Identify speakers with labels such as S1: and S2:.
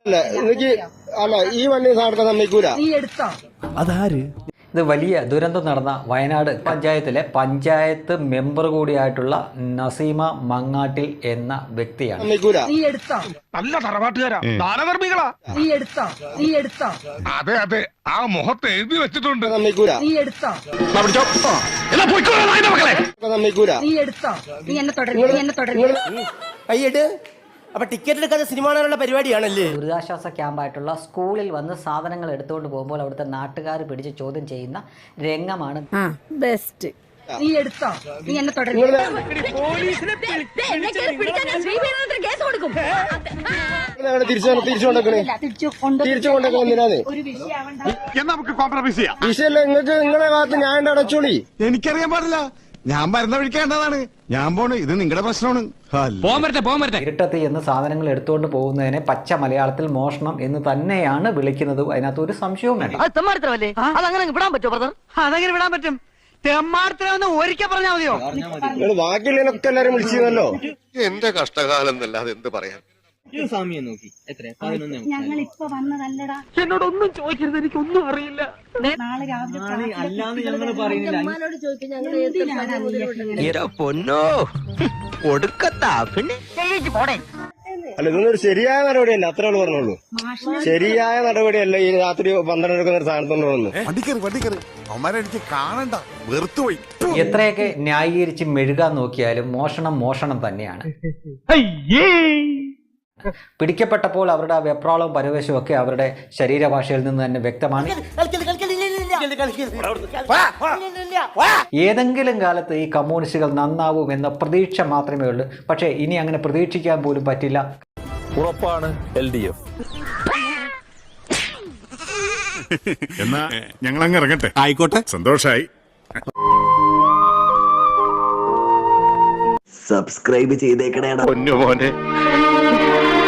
S1: അല്ല എനിക്ക് അല്ല ഈ വണ്ടി സാധനം സമ്മതിക്കൂല.
S2: അതാര്?
S3: ഇത് വലിയ ദുരന്തം നടന്ന വയനാട് പഞ്ചായത്തിലെ പഞ്ചായത്ത് മെമ്പർ കൂടിയായിട്ടുള്ള നസീമ മങ്ങാട്ടിൽ എന്ന വ്യക്തിയാണ്.
S1: സമ്മതിക്കൂല.
S4: നല്ല തറവാട്ടുകാരാ, ദാനധർമ്മികളാ. അതെ അതെ, ആ മുഖത്ത് എഴുതി വെച്ചിട്ടുണ്ട്.
S1: സമ്മതിക്കൂല. സമ്മതിക്കൂല.
S5: കൈയ്യട്. അപ്പൊ ടിക്കറ്റ് എടുക്കാതെ സിനിമ കാണാനുള്ള പരിപാടിയാണല്ലേ?
S3: ദുരിതാശ്വാസ ക്യാമ്പായിട്ടുള്ള സ്കൂളിൽ വന്ന് സാധനങ്ങൾ എടുത്തുകൊണ്ട് പോകുമ്പോൾ അവിടുത്തെ നാട്ടുകാർ പിടിച്ച് ചോദ്യം ചെയ്യുന്ന രംഗമാണ്.
S6: ബെസ്റ്റ്.
S1: തിരിച്ചു കൊണ്ടേക്കണെന്തിനാണ്?
S4: നമുക്ക് കോംപ്രമൈസ് ചെയ്യാം.
S1: വിഷയല്ല, നിങ്ങൾക്ക് നിങ്ങളെ ഭാഗത്ത് ഞാൻ അടച്ചോളി.
S4: എനിക്കറിയാൻ പാടില്ല, ഞാൻ വരുന്ന വിളിക്കേണ്ടതാണ്. ഞാൻ പോണ്, ഇത് നിങ്ങളുടെ പ്രശ്നമാണ്.
S3: ഇരുട്ടത്ത് എന്ന് സാധനങ്ങൾ എടുത്തുകൊണ്ട് പോകുന്നതിനെ പച്ച മലയാളത്തിൽ മോഷണം എന്ന് തന്നെയാണ് വിളിക്കുന്നത്. അതിനകത്ത് ഒരു സംശയവും വേണ്ട.
S5: അതങ്ങനെ വിടാൻ പറ്റുമോ ബ്രദർ? അതങ്ങനെ വിടാൻ പറ്റും. തെമ്മാർത്തരവെന്ന് ഒരിക്കൽ പറഞ്ഞാൽ മതിയോ?
S1: നിങ്ങൾ ബാക്കിയുള്ളതിനൊക്കെ എല്ലാരും വിളിച്ചിരുന്നല്ലോ.
S7: എന്റെ കഷ്ടകാലം എന്നല്ലാതെ എന്ത് പറയാൻ.
S6: ഞങ്ങളിപ്പോ വന്നതല്ലടാ.
S5: എന്നോടൊന്നും ചോദിക്കരുത്, എനിക്കൊന്നും അറിയില്ല.
S6: നാളെ രാവിലെ
S5: പൊന്നോ കൊടുക്കത്താ പിന്നെ പോടേ.
S1: അല്ല, ഇതൊന്നും ഒരു ശരിയായ നടപടിയല്ല, അത്രേ ഉള്ളൂ പറഞ്ഞോളൂ. ശരിയായ നടപടിയല്ല ഈ രാത്രി 12 എടുക്കുന്ന ഒരു സ്ഥാനത്തുണ്ടോന്ന്.
S4: എനിക്ക് കാണണ്ട, വെറുത്തുപോയി.
S3: എത്രയൊക്കെ ന്യായീകരിച്ച് മെഴുകാൻ നോക്കിയാലും മോഷണം മോഷണം തന്നെയാണ്. പിടിക്കപ്പെട്ടപ്പോൾ അവരുടെ വെപ്രാളവും പരവേശവും ഒക്കെ അവരുടെ ശരീരഭാഷയിൽ നിന്ന് തന്നെ വ്യക്തമാണ്. ഏതെങ്കിലും കാലത്ത് ഈ കമ്മ്യൂണിസ്റ്റുകൾ നന്നാവും എന്ന പ്രതീക്ഷ മാത്രമേ ഉള്ളൂ. പക്ഷേ ഇനി അങ്ങനെ പ്രതീക്ഷിക്കാൻ പോലും പറ്റില്ല.
S2: ഉറപ്പാണ് LDF.
S4: എന്നാ ഞങ്ങൾ അങ്ങ് ഇറങ്ങട്ടെ. ആയിക്കോട്ടെ, സന്തോഷായി.
S8: സബ്സ്ക്രൈബ് ചെയ്തേക്കണേടാ
S7: പൊന്നു മോനെ.